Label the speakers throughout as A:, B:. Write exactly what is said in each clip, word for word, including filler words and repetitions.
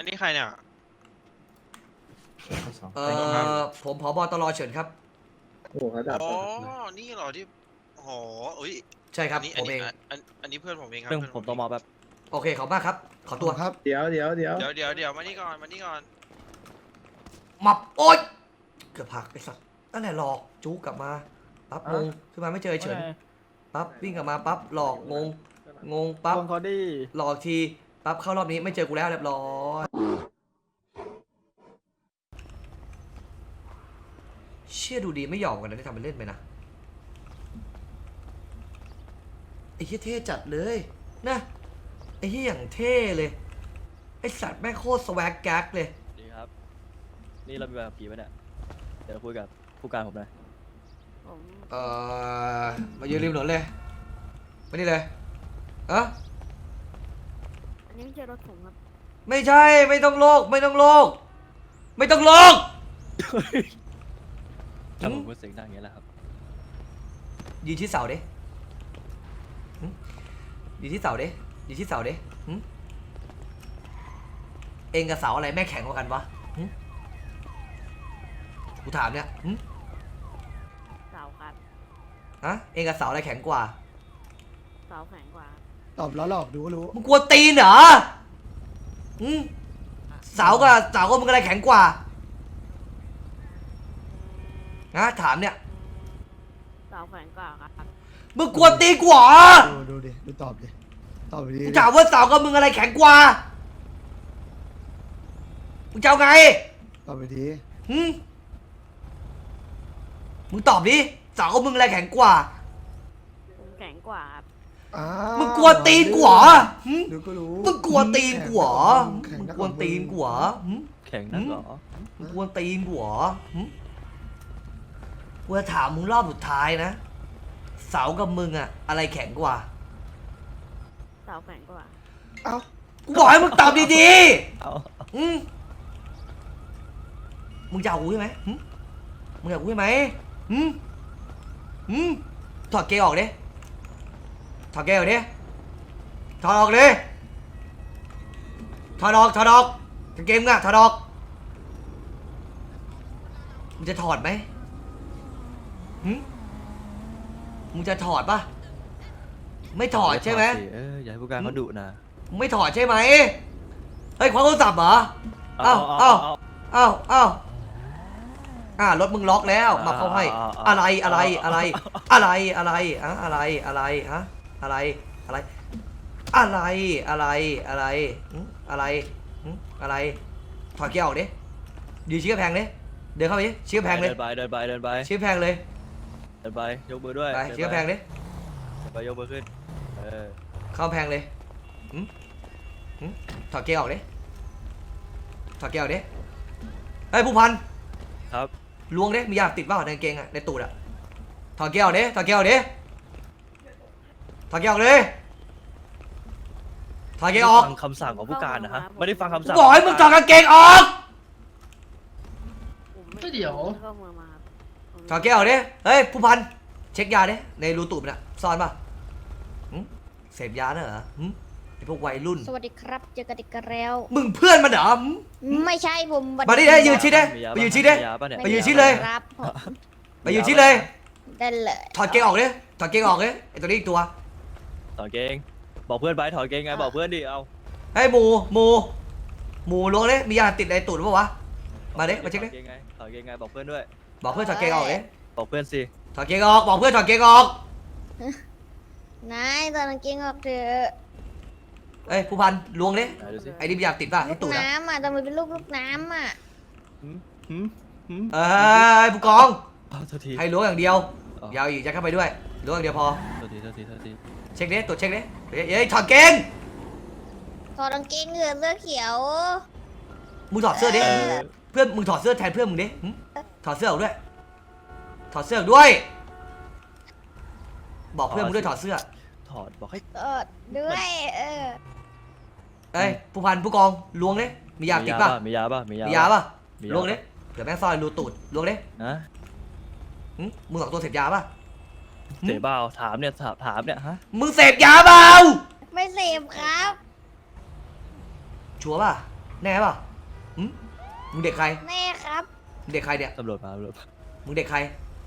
A: อันนี้ใครเนี่ย
B: เอ่อผมผบตรเฉินครับ
C: โอ้โหเขาดับ
A: อ๋อนี่เหรอที่โอ้โหอุ้ย
B: ใช่ครับ
A: อันนี้
B: ผ
A: อัน
B: ม
A: นี้
B: เอง
A: อันอันนี้เพื่อนผมเองครับ
D: เรื่อง
A: เพื่อน
D: ผมต้องมอแบบ
B: โอเคขอบมากครับ ขอตัว
E: ครับ
C: เดี๋ยวเดี๋ยวเดี๋ยว
A: เดี๋ยวเดี๋ยวเดี๋ยวมานี่ก่อนมานี่ก่อน
B: มับโอ๊ยเกือบหักไอ้สัตว์นั่นแหละหลอกจู๊กลับมาปั๊บงงขึ้นมาไม่เจอเฉินปั๊บวิ่งกลับมาปั๊บหลอกงงงงปั๊บ
E: วงเขาดี
B: หลอกทีปั๊บเข้ารอบนี้ไม่เจอกูแล้วเรียบร้อยเชี่ยดูดีไม่ยอมกันนะที่ทำเป็นเล่นไปนะไอ้เหี้ยเท่จัดเลยนะไอ้เหี้ยอย่างเท่เลยไอ้สัตว์แม่งโคตรสแวกแก๊กเลย
D: ดีครับ นี่เรามีแบบผีไหมเนี่ยเดี๋ยวคุยกับผู้การผมหน่อย
F: ผม
B: เอ่อมายืนริมถนนเลยมานี่เลยเออ
F: อันนี้ไม่ใช่รถผมครับ
B: ไม่ใช่ไม่ต้องโลกไม่ต้องโลกไม่ต้องโลก
D: ถ้าผมพูดเสียงดังอย่างนี้แหละครับ
B: ยืนที่เสาดิหึยืนที่เสาดิยืนที่เสาดิหึเองกับเสาอะไรแม่งแข็งกว่ากันวะหึกูถามเนี่ยหึ
F: เสาครับ
B: ฮะเองกับเสาอะไรแข็งกว่า
F: เสาแข็งกว่าครับ
E: ตอบแล้วหลอกดูก็รู้
B: มึงกลัวตีนเหรอหึเสากับเสากับมึงอะไรแข็งกว่านะถามเนี่ย
F: เสาแข็งกว่าครับ
B: มึงกลัวตีนกว่า
E: ดูดูดิดูตอบดิตอบไปดิ
B: กูถามว่าเสากับมึงอะไรแข็งกว่ามึงจะเอาไง
E: ตอบไปดิ
B: หึมึงตอบดิเสากับมึงอะไรแข็งกว่า
F: ผมแข็งกว่าครับ
E: อ้า
B: มึงกลัวตีนกูเหรอหึ
E: ดูก็รู้
B: มึงกลัวตีนกูเหรอ
E: แข็
B: มึ
E: ง
B: ง
E: นั
B: กลัวตีนกูเหรอหึ
D: แข่งนักเหรอ
B: มึงกลัวตีนกูเหรอหึกูจะถามมึงรอบสุดท้ายนะ เสากับมึงอะอะไรแข็งกว่า
F: เสาแข็งกว่า
E: เอ้า
B: กูบอกให้มึงตอบดี
D: เอา
B: ๆอืมมึงจะเอากูใช่ไหมหึมึงจะเอากูใช่ไหมหึหึถอดเกงออกดิถอดเกงออกดิถอดออกดิถอดออกถอดออกกางเกงมึงอะถอดออกมึงจะถอดไหมหึมึงจะถอดปะไม่ถอดใช่ไหม
D: เอออย่าให้ผู้การเขาดุนะ
B: มึงไม่ถอดใช่ไหมเฮ้ยคว้าโทรศัพท์เหรอ เอ้าเอ้า เอ้าเอ้าอ่ารถมึงล็อกแล้วมาเข้าให้อะไรอะไรอะไรอะไรอะไรอะอะไรอะไรฮะอะไรอะไรอะไรอะไรอะไรหึอะไรหึอะไรถอดเกียร์ออกดิยืนชี้กระแพงดิเดินเข้าไปดิชี้กระแพงเลย
D: เดินไปเดินไปเดินไป
B: ชี้กระแพงเลย
D: เดินไปยกมือด้วย
B: ไปชี้กระแพงดิ
D: เดินไปยกมือขึ้นเออ
B: เข้ากระแพงเลยหึหึถอดเกียร์ออกดิถอดเกียร์ออกดิเฮ้ยผู้พัน
D: ครับ
B: ล้วงดิมียาติดเปล่าในกางเกงอะในตูดอะถอดเกียร์ออกดิถอดเกียร์ออกดิถอดเกียร์ออกดิถอดเกียร์ออก
D: ฟังคำสั่งของผู้การนะฮะไม่ได้ฟังคำ
B: กู
D: สั่ง
B: บอกให้มึงถอดกางเกงออก
F: ผมไม่
G: ไม่เดี๋ยว
F: เข้าเมืองมาครับผม
B: ถอดเกียร์ออกดิเฮ้ยผู้พันเช็คยาดิในรูตูดมันอะซ่อนป่ะหึเสพยาเนอะเหรอหึไอพวกวัยรุ่น
G: สวัสดีครับเจอกันอีกแล้ว
B: มึงเพื่อนมันเหรอหึ
G: ไม่ใช่ผม
B: มาดิได้ยืนชิดดิ
D: มียา
B: ไป
D: ปะ
B: ยืนชิดดิ
D: มียาปะเนี่ย
B: ไปยืนชิดเลย
G: ครับผม
B: ไปยืนชิดเลย
G: ได้เลย
B: ถอดเกงออกดิถอดเกงออกดิไอตัวนี้อีกตัว
D: ถอดเกงบอกเพื่อนไปถอดเกงไงบอกเพื่อนดิเอา
B: เฮ้ยหมูหมูหมูล้วงดิมียาติดในตูดหรือเปล่าวะมาดิมาเช็คดิ
D: ถอดเกงไงถอดเกงไงบอกเพื่อนด้วย
B: บอกเพื่อนถอดเกงออกดิ
D: บอกเพื่อนสิ
B: ถอดเกงออกบอกเพื่อนถอดเกงออก
G: นายตอนกางเกงออกเถอะ
B: เอ้ยผู้พันล้วงดิ
D: ไหนดูสิ
B: ไอ้นี่มียาติดป่ะ
G: ลู
B: ที่
G: ก
B: ตูดอะ
G: น้ำอ่ะทำไมเป็นลูกลูกน้ำอ่ะ
D: หืมหืมหืม
B: เอ้ยผู้กอง
D: เอาโทษที
B: ให้ล้วงอย่างเดียว
D: อ๋อ
B: อยาวอีกยัดเข้าไปด้วยล้วงอย่างเดียวพอ
D: โทษทีโทษทีโทษที
B: เช็คดิตรวจเช็คดิเฮ้ยเฮ้ยถอดเกง
G: ถอดกางเกงเหงื่อเสื้อเขียว
B: มึงถอดเสื้อดิ
D: เออ
B: เพื่อนมึงถอดเสื้อแทนเพื่อนมึงดิหึถอดเสื้อออกด้วยถอดเสื้อออกด้วย บอกเพื่อนมึงด้วยถอดเสื้อ
D: ถอดบอกให้
G: ถอดด้วยเออ
B: เอ้ยผู้พันผู้กองล้วงดิมียาติดป่ะ
D: มียาป่ะมียา
B: มี
D: มี
B: ยาป่ะ
D: มี
B: ล้วงดิเดี๋ยวแม่งซ่อนรูตูดล้วงดิ
D: ฮะ
B: หึมึงสองตัวเสพยาป่ะ
D: เสพเปล่าถามเนี่ยถามถามเนี่ยฮะ
B: มึงเสพยาเปล่า
G: ไม่เสพครับ
B: ชัวร์ป่ะแน่ป่ะหืมมึงเด็กใคร
G: แม่ครับ
B: มึงเด็กใครเนี่ย
D: ตำรวจมาตำรวจมา
B: มึงเด็กใคร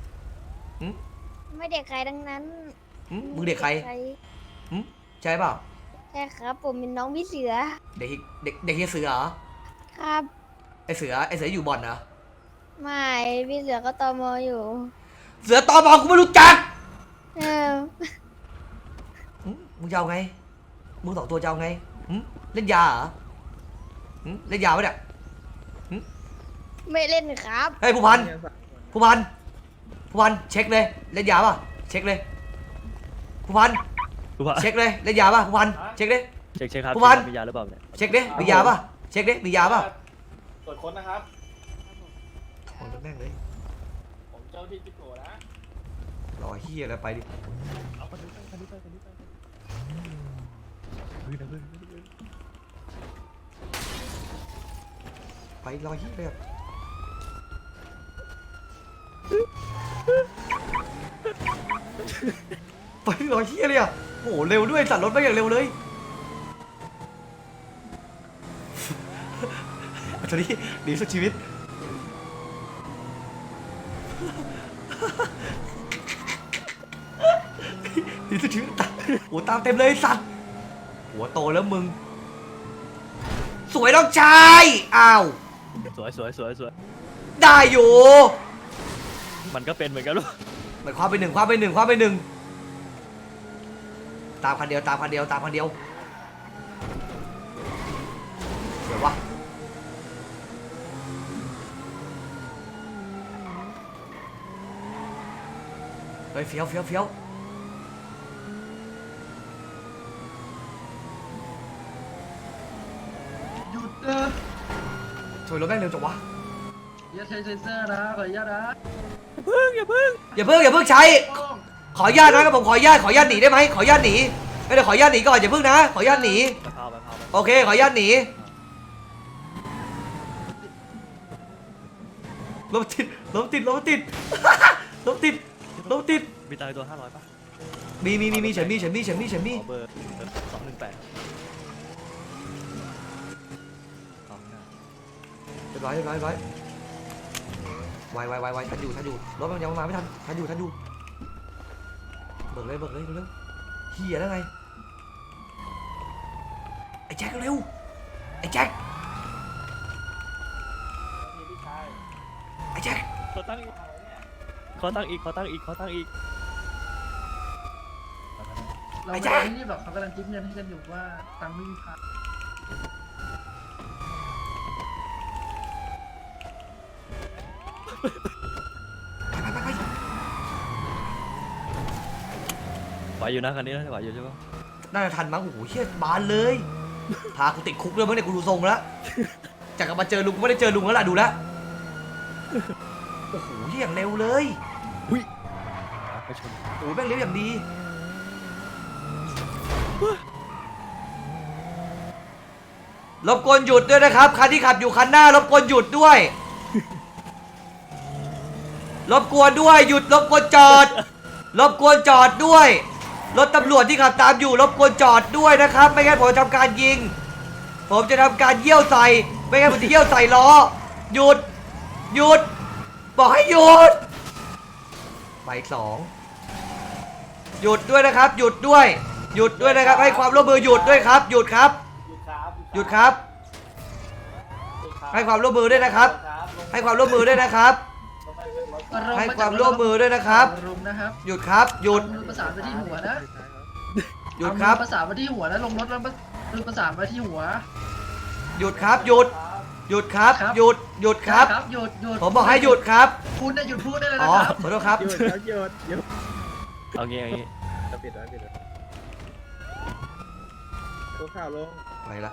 G: ไม่เด็กใครดังนั้น
B: หืมมึงเด็กใครหืมใช่เปล่า
G: ใช่ครับ ผมเป็นน้องพี่เสือ
B: เด็กเด็กเด็กเฮียเสือเหรอ
G: ครับ
B: ไอเสือไอเสืออยู่บ่อนเหรอ
G: ไม่พี่เสือก็ตอมออยู่
B: เสือตอมอกูไม่รู้จัก
G: เออ
B: หืมมึงจะเอาไงมึงสองตัวจะเอาไงหืมเล่นยาเหรอหืมเล่นยาปะเนี่ย
G: ไม่เล่นครับ
B: เฮ้ยผู้พันผู้พันผู้พันเช็คเลยเล่นยาป่ะเช็คเลยผู้พัน
D: ผู้พัน
B: เช็คเลยเล่นยาป่ะผู้พันเช็คดิ
D: เช็คเช็คครับ
B: ผู้พัน
D: มียาหรือเปล่าเนี่ย
B: เช็คดิมียาป่ะเช็คดิมียาป่ะ
H: ตรวจค้นนะครับ
B: ถอนแม่งเลย
H: ผมเจ้าที่จิ๊กโกนะ
B: รอเฮียแล้วไปดิ
D: เอาคนนี้ไปคนนี้ไปคนนี้ไปเฮ้ยนะเพื่อนเฮ้ยเฮ้ย
B: ไปรอเฮียเลยอะไปรอเฮียเลยอ่ะโอ้โหเร็วด้วยสั่นรถไปอย่างเร็วเลยตอนนี้ดีสุดชีวิตดีสุดชีวิตตามโอ้ตามเต็มเลยสัตว์หัวโตแล้วมึง สวยน้องชายอ้าว
D: สวยสวยสวยสวย
B: ได้อยู่
D: มันก็เป็นเหมือนกันลูก
B: หมายความไปหนึ่งความไปหนึ่งความไปหนึ่งตามคันเดียวตามคันเดียวตามคันเดียวเดี๋ยววะเฮ้ยเฟี้ยวเฟี้ยวเฟี้ยวหยุดเออช่วยรถแม่งเร็วจังวะ
H: อย่าใช้เซนเซอร์นะขออนุญาตนะ
B: อย่าเพิ่งอย่าเพิ่งใช้ ขออนุญาตนะครับผมขออนุญาตขออนุญาตหนีได้ไหมขออนุญาตหนีไม่ได้ขออนุญาตหนีก่อนอย่าเพิ่งนะขออนุญาตหนี
D: ไปพาวไปพาวไป
B: โอเคขออนุญาตหนีรถติดรถติดรถติด รถติดรถติด
D: มีตังค์ตัวห้าร้อยป่ะ
B: มีมีมีมีฉันมีฉันมีฉันมีฉันมี
D: ขอเบอร์สองหนึ่งแปดสองหน้า
B: เรียบร้อยเรียบร้อยเรียบร้อยไวไวไวไวทันอยู่ทันอยู่รถมันยังมาไม่ทันทันอยู่ทันอยู่เบิกเลยเบิกเลยเร็วๆเฮียแล้วไงไอ้แจ็คเร็วไอ้แจ็คไอ้แจ็ค
D: ขอตั้งอีกขอตั้งอีกขอตั้งอีกขอตั้งอีก
H: เราไม่ได้รีบหรอกเขากำลังจิ๊บเงินให้กันอยู่ว่าตังค์ไม่มีพา
B: ไปไปไปไป
D: ไหวอยู่นะคันนี้นะไหวอยู่ใช่ปะ
B: น่าจะทันมั้งโอ้โหเฮียบานเลยพากูติดคุกเลยมั้งเนี่ยกูดูทรงแล้วจากกลับมาเจอลุงกูไม่ได้เจอลุงแล้วล่ะดูแล้วโอ้โหเฮียอย่างเร็วเลย
D: ไปชน
B: โอ้โหแม่งเร็วอย่างดีรบกวนหยุดด้วยนะครับคันที่ขับอยู่คันหน้ารบกวนหยุดด้วยรบกวนด้วยหยุดรบกวนจอดรบกวนจอดด้วยรถตำรวจที่ขับตามอยู่รบกวนจอดด้วยนะครับไม่งั้นผมจะทำการยิงผมจะทำการเยี่ยวใส่ไม่งั้นผมจะเยี่ยวใส่ล้อหยุดหยุดบอกให้หยุดไปสองหยุดด้วยนะครับ หยุดด้วย หยุดด้วยนะครับให้ความร่วมมือหยุดด้วยครับ หยุดครับ หยุดครับ ให้ความร่วมมือด้วยนะครับ ให้ความร่วมมือด้วยนะครับ ให้ความร่วมมือด้วยนะครับ
H: รุมนะครับ
B: หยุดครับ หยุด
H: มือประสานไปที่หัวนะ
B: หยุดครับ
H: เอามือประสานไปที่หัวแล้วลงรถแล้วมือประสานไปที่หัว
B: หยุดครับ หยุด หยุดครับ
H: ครับ
B: หยุด หยุดครับ
H: หยุดหยุด
B: ผมบอกให้หยุดครับ
H: คุณน่ะหยุดพูดได้เลย
B: อ๋
H: นะ
B: อ
H: ครับ
B: ขอโทษครับ
C: หยุดครับหยุดหยุด
D: เอางี้เอางี้
C: จะปิดแล้วปิดแล้วตัวข่าวลง
B: ไปละ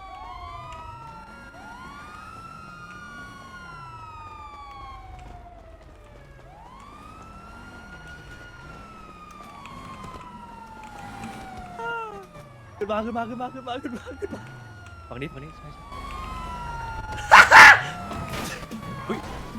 D: ขึ้นมาขึ้นมาขึ้นมาขึ้นมาขึ้นมาขึ้นมาฝั่งนี้ฝั่งนี้ใช่ใช่อุ้ย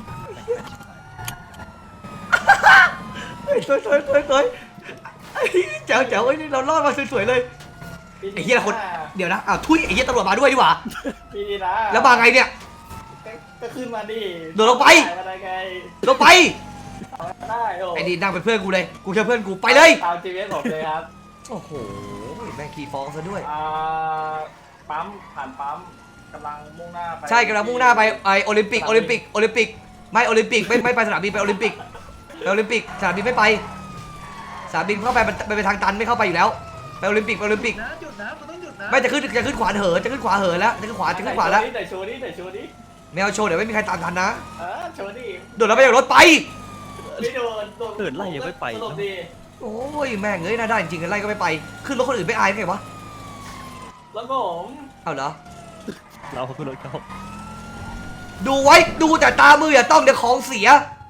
B: เฮ้ยสวยสวยสวยสวยไอ้เจ๋วเจ๋วไอ้นี่เรารอดมาสวยๆเลย ไอ้เหี้ยคนเดี๋ยวนะอ้าวทุยไอ้เหี้ยตำรวจมาด้วยดีกว่า
I: พี่นะ
B: แล้วมาไงเนี่ย
I: ก็ก็ขึ้นมาดิ
B: โดดลงไป
I: มาได้ไง
B: ลงไป
I: เอาได้โอ้
B: ไอ้นี่นั่งเป็นเพื่อนกูเลยกูเชื่อเพื่อนกูไปเลย
I: ตาม จี พี เอส ผมเลยครับ
B: โอ้โหแม่งขี่ฟ้องซะด้วย
I: อ่าปั๊มผ่านปั๊มกำลังมุ่งหน้าไป
B: ใช่กำลังมุ่งหน้าไปไอโอลิมปิกโอลิมปิกโอลิมปิกไม่โอลิมปิกไม่ไม่ไปสนามบินไปโอลิมปิกไปโอลิมปิกสนามบินไม่ไปสนามบินเข้าไปมันไปทางตันไม่เข้าไปอยู่แล้วไปโอลิมปิกไปโอลิมปิก
H: นะหยุดนะคุณต้องหยุดนะ
B: ไม่จะขึ้นจะขึ้นขวาเหินจะขึ้นขวาเหินแล้วจะขึ้นขวาจะขึ้นขวาแล้ว
I: ไหนโชว์ดิไหนโชว์ดิ
B: แมวโชว์เดี๋ยวไม่มีใครตามทันนะ
I: เออโชว์ดิ
B: โดดแล้วไปจากรถไป
I: ไม่โดนโดน
D: เอิดไล่ยังไม่ไป
I: สลบดี
B: โอ้ยแม่งเอ้ยน่าได้จริงๆไล่ก็ไม่ไปขึ้นรถคนอื่นไม่อายไงวะ
I: แล้วผม
B: เอาเหรอ
D: เราขึ้นรถเขา
B: ดูไว้ดูแต่ตามืออย่าต้องเดี๋ยวของเสีย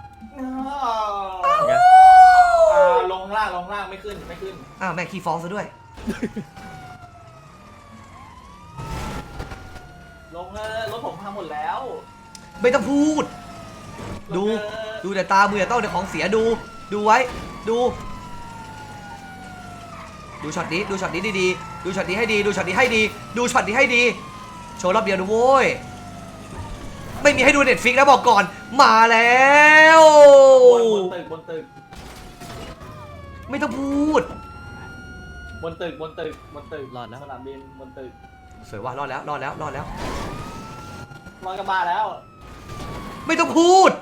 D: ไง
I: อ่าลงล่างลงล่างไม่ขึ้นไม่ขึ้น
B: อ้าวแม่งขี้ฟ้องซะด้วย
I: ลงเลยรถผมพังหมดแล้ว
B: ไม่ต้องพูด
I: ล
B: ดู
I: งเลย
B: ดูแต่ตามืออย่าต้องเดี๋ยวของเสียดู ดูไว้ ดู ดูช็อตนี้ ดูช็อตนี้ดีๆ ดูช็อตนี้ให้ดี ดูช็อตนี้ให้ดี ดูช็อตนี้ให้ดี โชว์รอบเดียวดูโว้ย ไม่มีให้ดูเน็ตฟิกนะบอกก่อน มาแล้ว
I: บนบนตึกบนตึก
B: ไม่ต้องพูด
I: บนตึกบนตึกบนตึก
D: รอดแล้ว
I: สนามบินบนตึก
B: สวยว่ะรอดแล้ว รอดแล้ว รอดแล้ว
I: ลอยกระบะแล้ว
B: ไม่ต้องพูด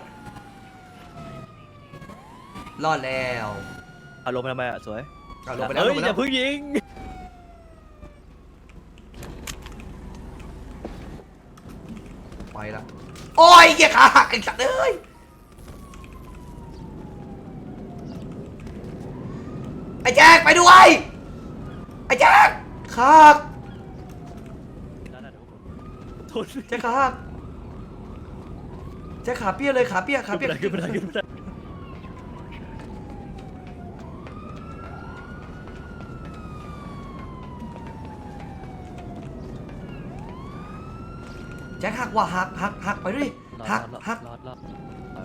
B: รอดแล้ว
D: อารมณ์ทำไมอ่ะสวย
B: เอาลงไปแล้ว
D: เฮ้
B: ล
D: ย
B: งไป
D: อ
B: แล้
D: ย่าว เพิ่งยิง
B: ไปแล้วโอ้ยเหี้ยขาหักไอ้สัตว์เอ้ยไอ้แจ็คไปด้วยไอ้แจ็คขาหัก
D: โทษ
B: แจ็คขาหักแจ็คขาเปี้ยเลยขาเปี้ยขา
D: ขึ้น
B: เปี้ย
D: ไปได้ขึ้นไปได้ขึ้นไปได้
B: แจ็คหักว่ะหักหักหักไปด้วยหักหัก
D: รอดรอดรอด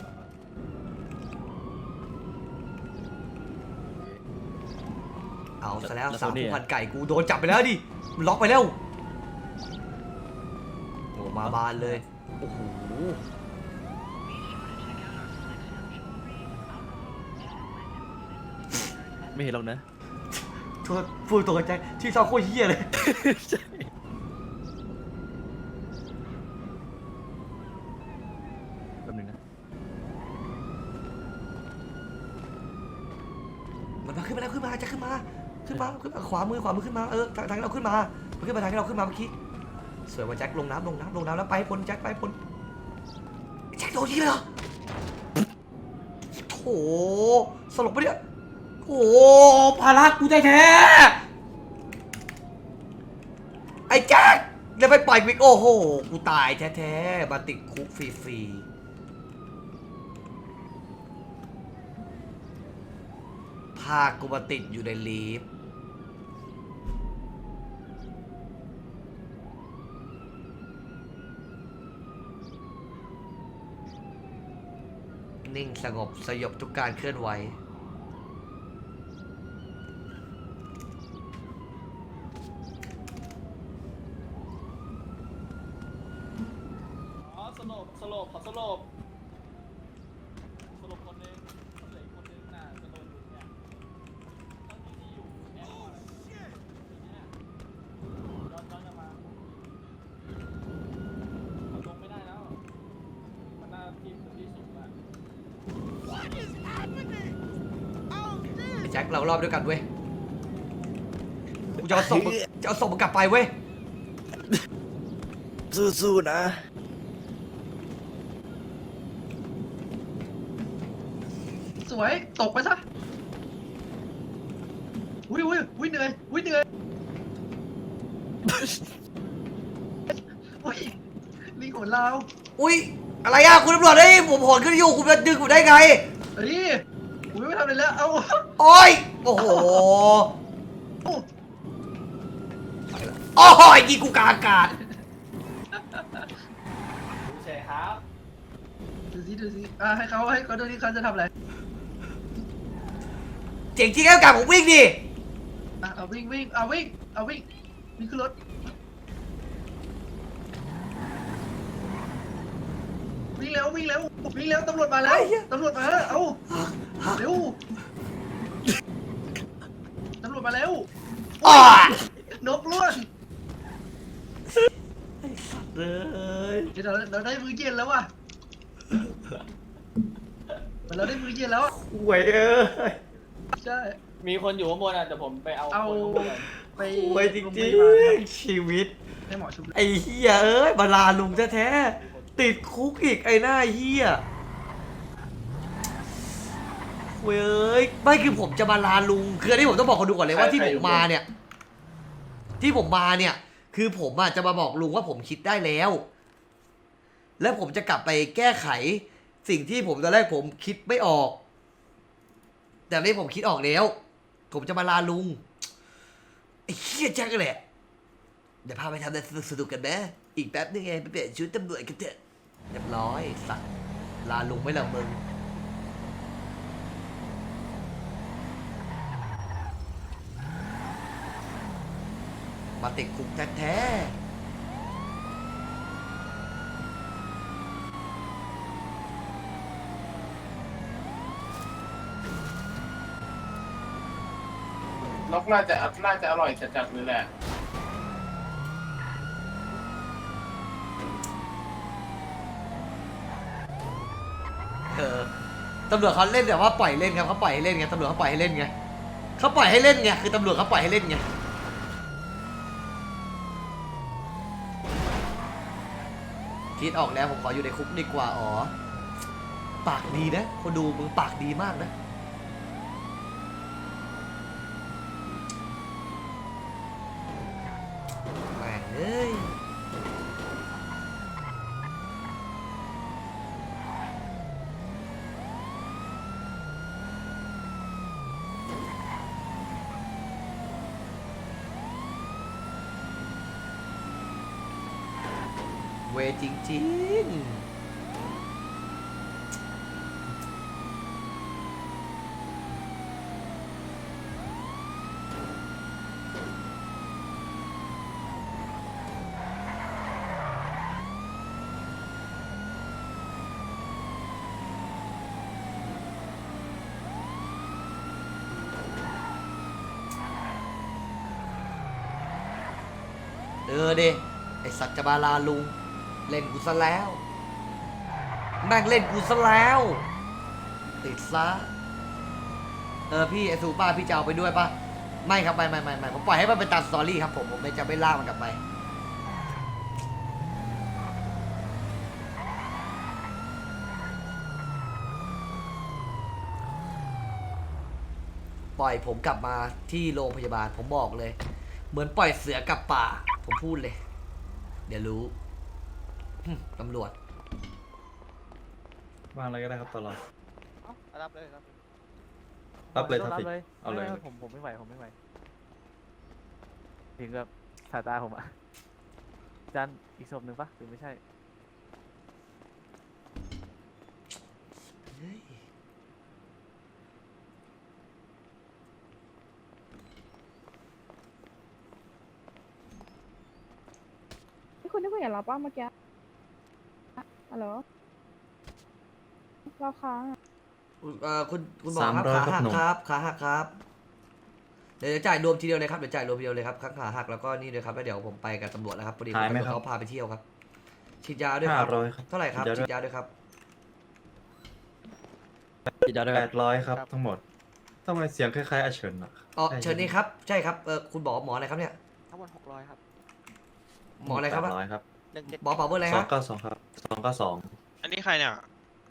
B: เอาซะแล้วสาวผู้พันไก่กูโดนจับไปแล้วดิมันล็อกไปแล้วโอ้มาบานเลยโอ้โห
D: ไม่เห็นหรอกนะ
B: โทษพูดตัวกับแจ็คที่ชอบโคตรเหี้ยเลย
D: ใช่แป๊บนึงนะ
B: มันมาขึ้นมาแล้วขึ้นมาจะขึ้นมาขึ้นมาขึ้นมาขวามือขวามือขึ้นมาเออทางทางที่เราขึ้นมามันขึ้นมาทางที่เราขึ้นมาเมื่อกี้สวยว่าแจ็คลงน้ำลงน้ำลงน้ำแล้วไปให้พ้นแจ็คไปให้พ้นแจ็คโดนยิงเลยเหรอโถสลบปะเนี่ยโอ้ภาระกูได้แท้ไอ้แจ็คแล้วไปปล่อยวิกโอ้โหกูตายแท้ๆมาติดคุกฟรีๆพากูมาติดอยู่ในลีฟนิ่งสงบสยบทุกการเคลื่อนไหว
I: อ๋อสลบสลบขอสลบสลบคนหนึงเหลืออีกคนหนึงน่ะจะโดนอยู่เนี่ยตอนนี้ที่อยู่แอร์พอร์ตเนี่ยย้อนย้อนกลับมาเอาลงไม่ได้แล้วมันน่าที่ที่สูงอะ
B: ไอ้แจ็คเรารอบด้วยกันเว้ยกูจะเอาศพมึงจะเอาศพมึงกลับไปเว้ย
D: สู้ๆนะ
H: สวยตกไปซะอุ้ยอุ้ยอุ้ยเหนื่อยอุ้ยเหนื่อยอุ้ยลิงของเรา
B: อุ้ยอะไรอ่ะคุณตำรวจเฮ้ยผมโหนขึ้นอยู่คุณจะดึงผมได้ไง
H: เฮ้ยอุ้ยไม่ทำอะไรแล้วเอา
B: โอ้ยโอ้โหโอ้ยยิงกูกลางอากาศ
I: ดูเฉยครับ
H: ดูสิดูสิอ่ะให้เขาให้เขาดูที่เขาจะทำอะไร
B: เจ๋งจริงแล้วกับผมวิ่งดิ
H: อ่ะเอาวิ่งวิ่งเอาวิ่งเอาวิ่งวิ่งขึ้นรถวิ่งเร็ววิ่งเร็ววิ่งเร็วตำรวจมาแล้วตำรวจมาเอ้าเร็วตำรวจมาแล้ว
B: อ้าน
H: กล้วน
B: เลย
H: เดี๋ยวเราเราได้มือเย็นแล้วว่ะเราได้มือเย็นแล้ว
B: หวยเอ้ย
H: ใช่
I: มีคนอยู่ข้างบนอ่ะแต่ผมไปเอา
H: เอา
I: คนข้างบนก่อน
H: ไป
B: หวยจริงๆชีวิต
H: ให้หมอชุบ
B: ไอ้เฮียเอ้ยบาลาลุงแท้ๆติดคุกอีกไอ้หน้าเฮียเว้ยไม่คือผมจะมาลาลุงคืออันนี้ผมต้องบอกคนดูก่อนเลยว่าที่ผมมาเนี่ย ที่ผมมาเนี่ย คือผมอ่ะจะมาบอกลุงว่าผมคิดได้แล้ว แล้วผมจะกลับไปแก้ไข สิ่งที่ผมตอนแรกผมคิดไม่ออก แต่ตอนนี้ผมคิดออกแล้ว ผมจะมาลาลุงไอ้เฮียแจ็คแหละ เดี๋ยวพาไปทำอะไรสนุกๆกันนะอีกแป๊บนึงไงไปเปลี่ยนชุดตำรวจกันเถอะเรียบร้อยสัตว์ลาลุงไม่ละมึงมาติดคุกแท้ๆ
J: นกน่าจะน่าจะอร่อยจัดๆเลยแหละ
B: เออตำรวจเขาเล่นแบบว่าปล่อยเล่นครับเขาปล่อยให้เล่นไงตำรวจเขาปล่อยให้เล่นไงเขาปล่อยให้เล่นไงคือตำรวจเขาปล่อยให้เล่นไงคิดออกแล้วผมขออยู่ในคุกดีกว่าอ๋อปากดีนะคนดูมึงปากดีมากนะแม่งเอ้ยเวจริงๆเออเดไอสัตว์จะมาลาลุงเล่นกูซะแล้วแม่งเล่นกูซะแล้วติดซะเออพี่ไอซูป้าพี่จะเอาไปด้วยปะไม่ครับไม่ไม่ไม่ไม่ผมปล่อยให้มันเป็นตามสตอรี่ครับผมผมไม่จะไม่ลากมันกลับไปปล่อยผมกลับมาที่โรงพยาบาลผมบอกเลยเหมือนปล่อยเสือกลับป่าผมพูดเลยเดี๋ยวรู้ตำรวจ
C: วางอะไรก็ได้ครับตลอด
D: รับเลยรับ
C: รับเลยครับพี่
D: เลย
C: เอาเลย
D: ผมผมไม่ไหวผมไม่ไหวถึงกับสายตาผมอ่ะจานอีกศพหนึ่งปะหรือไม่ใช่
F: คุณได้คุยกับเราป้าเมื่อกี้ฮัลโหลเราค้าง
B: เอ่อคุณคุณบอกครับขาหักครับขาหักครับเดี๋ยวจ่ายรวมทีเดียวเลยครับเดี๋ยวจ่ายรวมทีเดียวเลยครับข้างขาหักแล้วก็นี่เลยครับแล้วเดี๋ยวผมไปกับตำรวจแล้วครับพอดีเขาพาไปเที่ยวครับฉีดยาด้วยครับเท่าไหร่ครับฉีดยาด้วยครับ
D: พี่จาด้วย
C: แปดร้อยครับทั้งหมดทำไมเสียงคล้ายๆอาเฉินอ่ะ
B: อ๋อเชิญนี่ครับใช่ครับเออคุณบอกหมออะไรครับเนี่ย
D: ทั้งหมดหกร้อยครับ
B: หมออะไรครับ
C: แปดร้อยครับ
D: หนึ่งเจ็ด
B: หมอเป่าเบอร์อะไร
C: สอ
B: ฮะ
C: งเก้าสองครับสองเก้าสอง
A: อันนี้ใครเนี่ย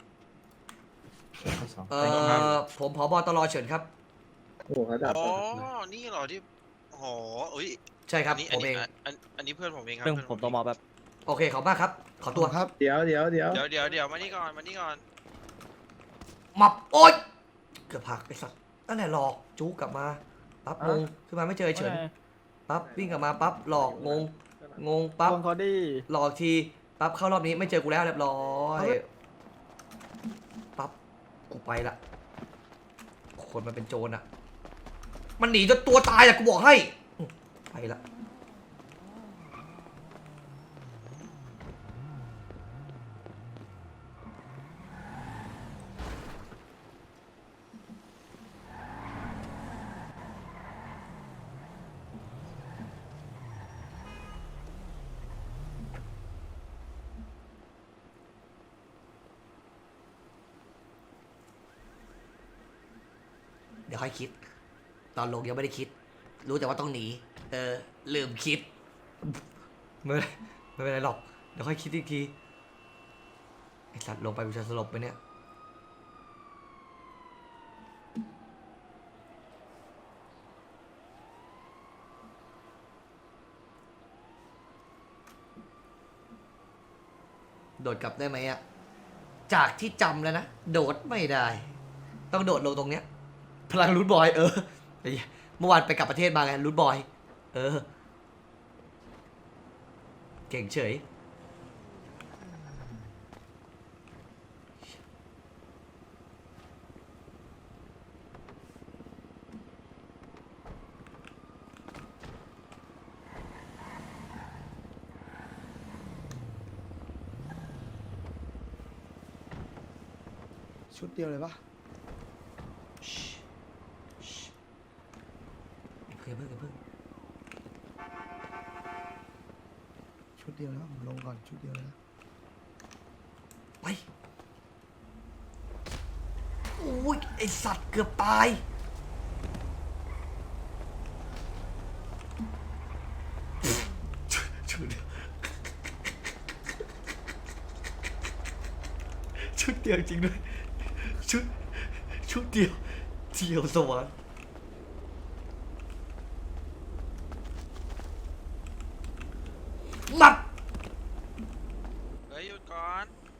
C: สอง
B: เออผมผบตรเฉินครับ
C: โอ้โหเขาดับ
A: อ๋อ นี่เหรอที่โอ้โหอุ้ย
B: ใช่ครับ
A: อันนี้
B: ผ
A: อัน
B: มเอ
A: นี้
B: ง
A: อันอันนี้เพื่อนผมเองครับ
D: เรื่อง
A: เพื่อน
D: ผมต้องมอแบบ
B: โอเคขอบมากครับขอตัว
E: ครับ
C: เดี๋ยวเดี๋ยวเดี๋ยว
A: เดี๋ยวเดี๋ยวเดี๋ยวมานี่ก่อนมานี่ก่อน
B: มับโอ๊ยเกือบหักไอ้สัตว์นั่นแหละหลอกจู๊กลับมาปั๊บงงขึ้นมาไม่เจอไอ้เฉินปั๊บวิ่งกลับมาปั๊บหลอกงงงงปั๊บ
D: เขาดี
B: หลอกทีปั๊บเข้ารอบนี้ไม่เจอกูแล้วเรียบร้อยปั๊บกูไปละคนมันเป็นโจรอ่ะมันหนีจนตัวตายอ่ะกูบอกให้อื้อไปละยวค่อยคิด ตอนลงยังไม่ได้คิด รู้แต่ว่าต้องหนีเออลืมคิดไม่เป็นไรไม่เป็นไรหรอกเดี๋ยวค่อยคิดอีกทีไอสัตว์ลงไปกูจะสลบไปเนี่ยโดดกลับได้ไหมอะจากที่จำแล้วนะโดดไม่ได้ ต้องโดดลงตรงเนี้ยพลังรูทบอยเออไอ้เหี้ยเมื่อวานไปกลับประเทศมาไงรูทบอยเออเก่งเฉย
E: ชุดเดียวเลยปะ
B: เพิ่งเพิ่งเพิ่ง
E: ชุดเดียวแล้วผมลงก่อนชุดเดียวเลยนะ
B: ไปโอ้ยไอสัตว์เกือบตายชุดเดียวชุดเดียวจริงด้วยชุดชุดเดียวเดียวสวรรค์มับ
A: เฮ้ยหยุดก่อน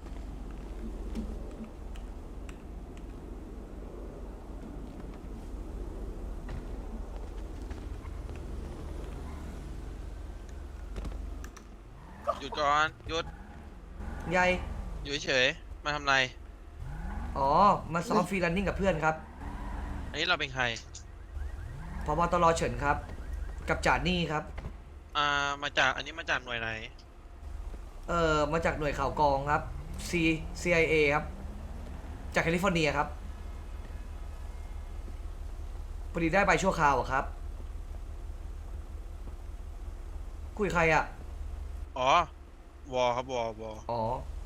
A: หยุดก่อน หยุด
B: ใหญ่
A: อยู่เฉยๆมาทำไร
B: อ๋อ มาซ้อมฟรีรันนิ่งกับเพื่อนครับ
A: อันนี้เราเป็นใคร
B: พบตรเฉินครับ กับจ่านี่ครับ
A: อ่า มาจาก อันนี้มาจากหน่วยไหน
B: เอ่อ มาจากหน่วยข่าวกองครับ C ซี ไอ เอ ครับ จากแคลิฟอร์เนียครับพอดีได้ใบชั่วคราวอะครับ คุยใครอะ
A: อ๋อ วอครับ วอวอ
B: อ๋อ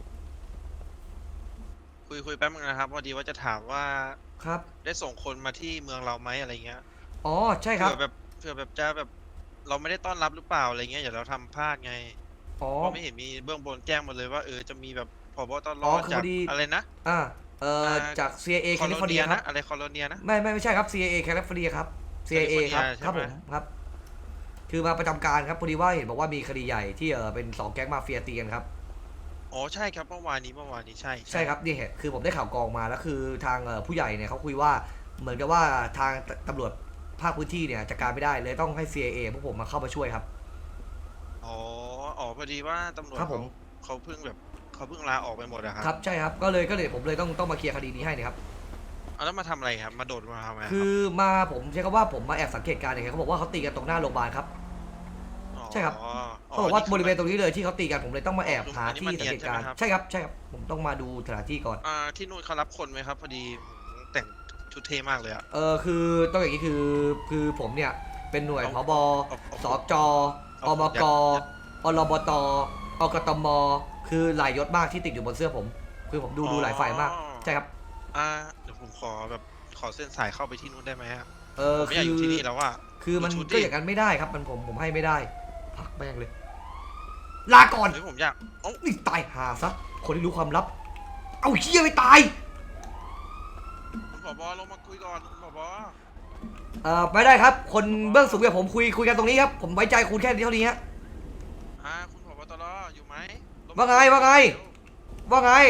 A: คุยคุยแป๊บนึงนะครับพอดีว่าจะถามว่า
B: ครับ
A: ได้ส่งคนมาที่เมืองเราไหมอะไรเงี้ย
B: อ๋อ ใช่ครับ
A: เผื่อแบบเผื่อแบบจะแบบ เราไม่ได้ต้อนรับหรือเปล่าอะไรเงี้ยอย่าเราทำพลาดไง
B: อ๋อ
A: เพราะไม่เห็นมีเบื้องบนแจ้งมาเลยว่าเออจะมีแบบผบตร
B: อ๋อคือ
A: จาก
B: พอดี
A: อะไรนะ
B: อ่า เอ่อ
A: อ่า
B: จาก ซี ไอ เอ แค
A: คอ
B: ลิ
A: โล
B: ฟอร์เนี
A: เนี
B: ย
A: ย
B: ครั
A: นะ
B: บ
A: อะไรคอโลเนียนะ
B: ไม่ไม่ไม่ใช่ครับ ซี ไอ เอ แคลิฟอร์เนียครับ ซี ไอ เอ ครับ
A: ใช่ไหม
B: ครับผม ครับ คือมาประจำการครับ พอดีว่าเห็นบอกว่ามีคดีใหญ่ที่เออเป็นสองแก๊งมาเฟียตีกันครับ
A: อ๋อใช่ครับเมื่อวานนี้เมื่อวานนี้ใช่
B: ใช่ครับนี่เหตุคือผมได้ข่าวกรองมาแล้วคือทางเอ่อผู้ใหญ่เนี่ยเขาคุยว่าเหมือนกับว่าทางตตำรวจภาคพื้นที่เนี่ยจัดการไม่ได้เลยต้องให้ ซี ไอ เอ พวกผมมาเข้ามาช่วยครับ
A: อ๋ออ๋อพอดีว่าตำรวจ
B: ครับผ
A: เขา
B: ม
A: เขาเพิ่งแบบเขาเพิ่งลาออกไปหมดอะครับ
B: ครับใช่ครับก็เลยก็เลยผมเลยต้องต้องมาเคลียร์คดีนี้ให้นะครับ
A: เอาแล้วมาทำอะไรครับมาโดดมาทำอะไรรับ
B: คือมาผมใช้คำว่าผมมาแอบสังเกตการณ์เนี่ยเขาบอกว่าเขาตีกันตรงหน้าโรงพยาบาลครับ ใช่ครับ
A: อ๋อ
B: เขาบอกว่า
A: นี่คื
B: บริเวณตรงนี้เลยที่เขาตีกันผมเลยต้องมาแอบหา
A: อันนี้
B: ที่
A: มัน
B: สังเกตการณ์
A: เนียนใช่ไหมครับ
B: ใช่ครับใช่ครับผมต้องมาดูสถานที่ก่อน
A: อ่าที่นู่นเขารับคนไหมครับ พอดีผมแต่งชุดเท่มากเลยอะ
B: เออคือต้องอย่างนี้คือคือผมเนี่ยเป็นหน่วย
A: เอา
B: ผบ
A: เอาเอา
B: สจอ
A: เอา
B: มก
A: เอา
B: อรบตอกตมคือหลายยศมากที่ติดอยู่บนเสื้อผม คือผมดูดูหลายฝ่ายมากใช่ครับ
A: อ่าเดี๋ยวผมขอแบบขอเส้นสายเข้าไปที่นู่นได้ไหมครับ
B: เออ
A: ผมไม่อ
B: คื
A: ยากอยู่
B: อ
A: ที่นี่แล้วว่า
B: คือมัน
A: ดูชุดดิ
B: ก็อย่างนั้นไม่ได้ครับ มันผมผมให้ไม่ได้พักแม่งเลย ลาก่อน
A: เฮ้ยผมอยากเอ้า
B: นี่ตายหาซะคนที่รู้ความลับ เอาเชี่ยไม่ตาย
A: คุณผบลงมาคุยก่อนคุณผบ
B: เอ่อไม่ได้ครับ คนเบื้องสูงกับผมคุยคุยกันตรงนี้ครับผมไว้ใจคุณแค่เท่านี้ฮะ
A: อ่าคุณผบตรอยู่ไหมลม
B: ว่าไงว่าไง ว่าไง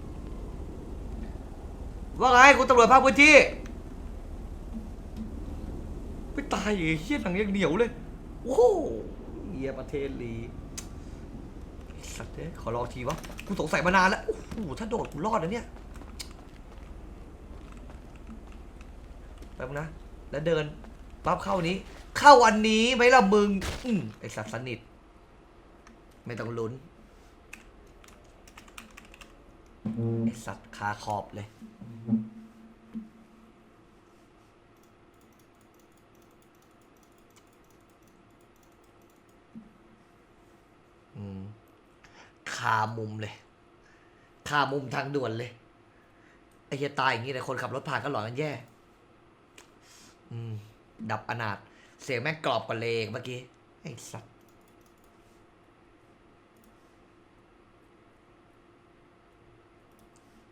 B: ว่าไงคุณตำรวจภาคพื้นที่ไม่ตายเหรอเฮี้ยหนังยังเหนียวเลยโอ้โหเฮียประเทศลีไอ้สัตว์เอ้ยขอลองทีวะกูสงสัยมานานแล้วโอ้โหถ้าโดดกูรอดนะเนี่ยแป๊บนะแล้วเดินปั๊บเข้านี้ เข้าอันนี้ไหมล่ะมึงอืมไอสัตว์สนิทไม่ต้องลุ้นไอสัตว์คาขอบเลยอืมคามุมเลยคามุมทางด่วนเลยไอ้เหี้ยตายอย่างงี้แต่คนขับรถผ่านก็หลอนกันแย่อืม ดับอนาถเสียงแม่งกรอบกว่าเลงเมื่อกี้ ไอ้สัตว์